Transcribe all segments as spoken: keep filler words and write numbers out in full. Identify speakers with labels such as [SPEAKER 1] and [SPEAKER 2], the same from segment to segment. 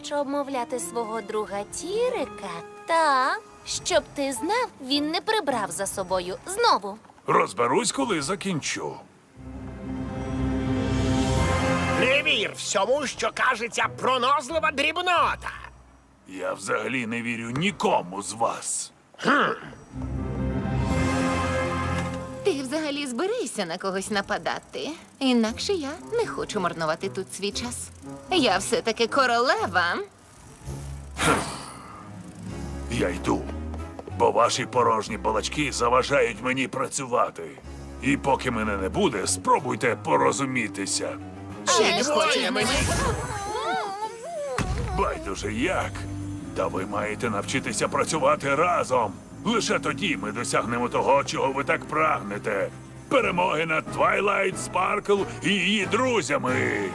[SPEAKER 1] хочеш обмовляти свого друга Тірика? Так. Щоб ти знав, він не прибрав за собою знову.
[SPEAKER 2] Розберусь, коли закінчу.
[SPEAKER 3] Не вір всьому, що кажеться пронозлива дрібнота.
[SPEAKER 2] Я взагалі не вірю нікому з вас.
[SPEAKER 4] Ти взагалі зберися на когось нападати. Інакше я не хочу марнувати тут свій час. Я все-таки королева.
[SPEAKER 2] Я йду, бо ваші порожні балачки заважають мені працювати. І поки мене не буде, спробуйте порозумітися.
[SPEAKER 4] Ще не хочу.
[SPEAKER 3] мені.
[SPEAKER 2] Байдуже як. Та ви маєте навчитися працювати разом. Лише тоді ми досягнемо того, чого ви так прагнете. Перемоги над Твайлайт Спаркл і її друзями.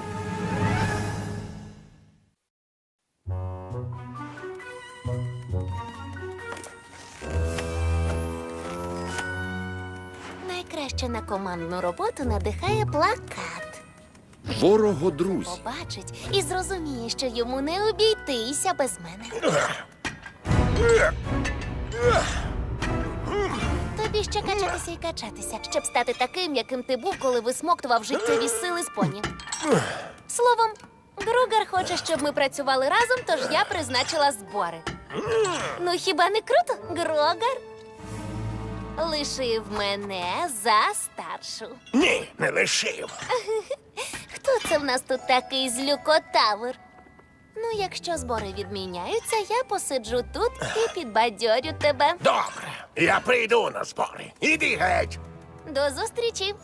[SPEAKER 1] Найкраще на командну роботу надихає плакат.
[SPEAKER 5] Ворого-друзі.
[SPEAKER 1] Побачить і зрозуміє, що йому не обійтися без мене. Тобі ще качатися і качатися, щоб стати таким, яким ти був, коли висмоктував життєві сили з поні. Словом, Гругар хоче, щоб ми працювали разом, тож я призначила збори. Ну, хіба не круто, Грогар? Лишив мене за старшу.
[SPEAKER 3] Ні, не лишив.
[SPEAKER 1] Хто це в нас тут такий злюкотавр? Ну, якщо збори відміняються, я посиджу тут і підбадьорю тебе.
[SPEAKER 3] Добре, я прийду на збори. Іди геть.
[SPEAKER 1] До зустрічі.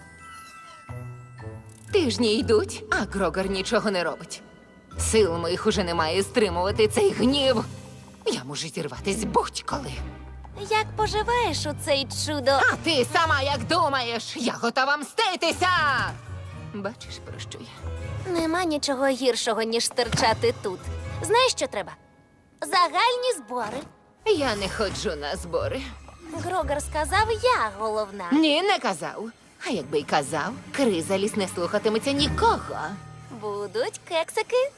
[SPEAKER 4] Тижні йдуть, а Грогар нічого не робить. Сил моїх уже немає стримувати цей гнів. Я можу зірватись будь-коли.
[SPEAKER 1] Як поживаєш у цей чудо?
[SPEAKER 4] А ти сама як думаєш? Я готова мститися! Бачиш, про що я?
[SPEAKER 1] Нема нічого гіршого, ніж стирчати тут. Знаєш, що треба? Загальні збори.
[SPEAKER 4] Я не ходжу на збори.
[SPEAKER 1] Грогар сказав, я головна.
[SPEAKER 4] Ні, не казав. А якби й казав, Кризаліс не слухатиметься нікого.
[SPEAKER 1] Будуть кексики.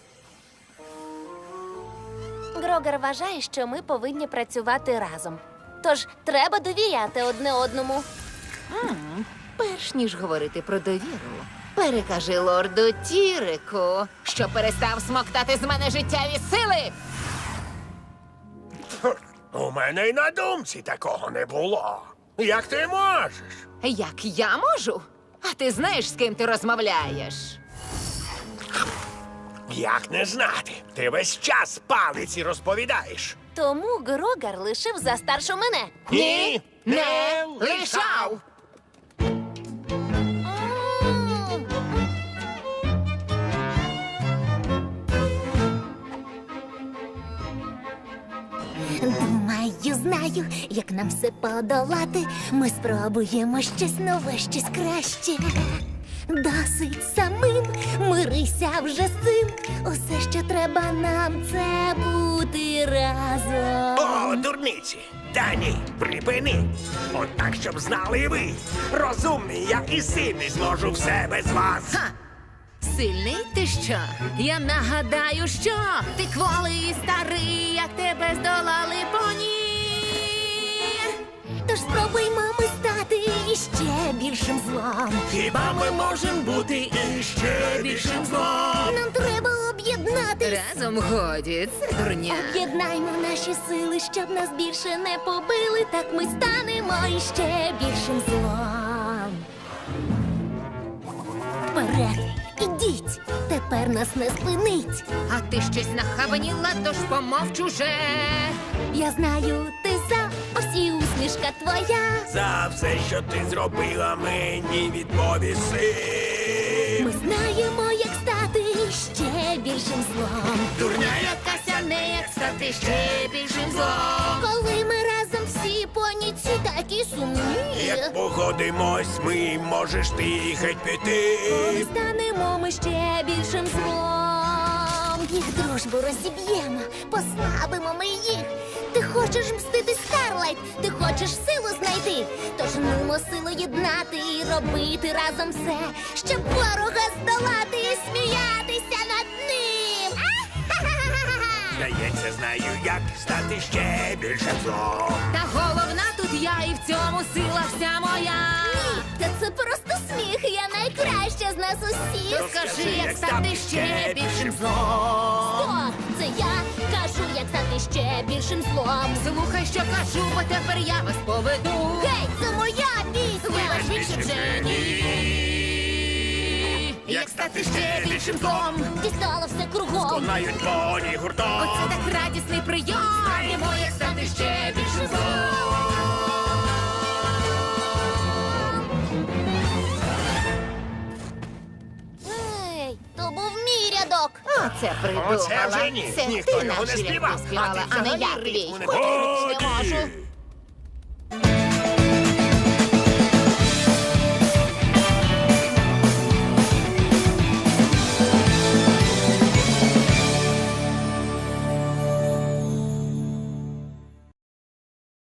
[SPEAKER 1] Грогар вважає, що ми повинні працювати разом. Тож треба довіряти одне одному.
[SPEAKER 4] Перш ніж говорити про довіру, перекажи лорду Тірику, що перестав смоктати з мене життєві сили.
[SPEAKER 3] У мене й на думці такого не було. Як ти можеш?
[SPEAKER 4] Як я можу? А ти знаєш, з ким ти розмовляєш?
[SPEAKER 3] Як не знати? Ти весь час палиці розповідаєш.
[SPEAKER 1] Тому Грогар лишив за старшу мене.
[SPEAKER 3] Ні,
[SPEAKER 4] Не лишав!
[SPEAKER 6] Думаю, знаю, як нам все подолати. Ми спробуємо щось нове, щось краще. Досить самим, мирися вже з цим. Усе, що треба нам, це бути разом.
[SPEAKER 3] О, дурниці! Та ні, припини! От так, щоб знали ви. Розумний я і сильний зможу все без вас.
[SPEAKER 4] Ха! Сильний ти що? Я нагадаю, що ти кволий і старий, як тебе здолали поні.
[SPEAKER 6] Тож спробуймо ми стати іще більшим злом.
[SPEAKER 3] Хіба ми можемо бути іще більшим злом?
[SPEAKER 6] Нам треба об'єднатись.
[SPEAKER 4] Разом годі, це дурня.
[SPEAKER 6] Об'єднаймо наші сили, щоб нас більше не побили. Так ми станемо іще більшим злом. Вперед, ідіть, тепер нас не спинить.
[SPEAKER 4] А ти щось нахабаніла, тож помовч уже.
[SPEAKER 6] Я знаю, ти за, ось і усмішка твоя.
[SPEAKER 3] За все, що ти зробила, мені відповіси.
[SPEAKER 6] Ми знаємо, як стати ще більшим злом.
[SPEAKER 3] Дурня
[SPEAKER 4] Якася не як стати ще більшим злом.
[SPEAKER 6] Коли ми разом всі поніці такі сумні.
[SPEAKER 3] Як погодимось, ми можеш ти геть піти.
[SPEAKER 6] Коли станемо ми ще більшим злом. Їх дружбу розіб'ємо, послабимо ми їх. Ти хочеш мстити, Старлайт, ти хочеш силу знайти. Тож нумо силу єднати і робити разом все, щоб ворога здолати і сміятися над ним.
[SPEAKER 3] Здається, знаю, як стати ще більшим злом.
[SPEAKER 4] Та головна тут я, і в цьому сила вся моя.
[SPEAKER 6] Та це просто сміх, я найкраща з нас усіх.
[SPEAKER 4] Розкажи, як стати ще більшим злом.
[SPEAKER 6] О, це я кажу, як стати ще більшим злом.
[SPEAKER 4] Слухай, що кажу, бо тепер я вас поведу.
[SPEAKER 6] Гей, це моя пісня!
[SPEAKER 4] Вибач, більше вже ні. Як стати ще більшим злом.
[SPEAKER 6] Дістала все кругом.
[SPEAKER 3] Лунають поні гуртом.
[SPEAKER 4] Оце так радісний прийом. Знаємо, як стати ще більшим злом.
[SPEAKER 6] Ей, то був мій рядок.
[SPEAKER 4] Оце придумала.
[SPEAKER 3] Оце вже ні.
[SPEAKER 4] Це
[SPEAKER 3] Ніхто
[SPEAKER 4] ти
[SPEAKER 3] його
[SPEAKER 4] наші
[SPEAKER 3] не
[SPEAKER 4] рядки
[SPEAKER 3] співав,
[SPEAKER 4] співала,
[SPEAKER 3] а ти
[SPEAKER 4] а не
[SPEAKER 3] взагалі
[SPEAKER 4] я твій.
[SPEAKER 3] ритму не
[SPEAKER 4] Повірити не можу.
[SPEAKER 2] Годі!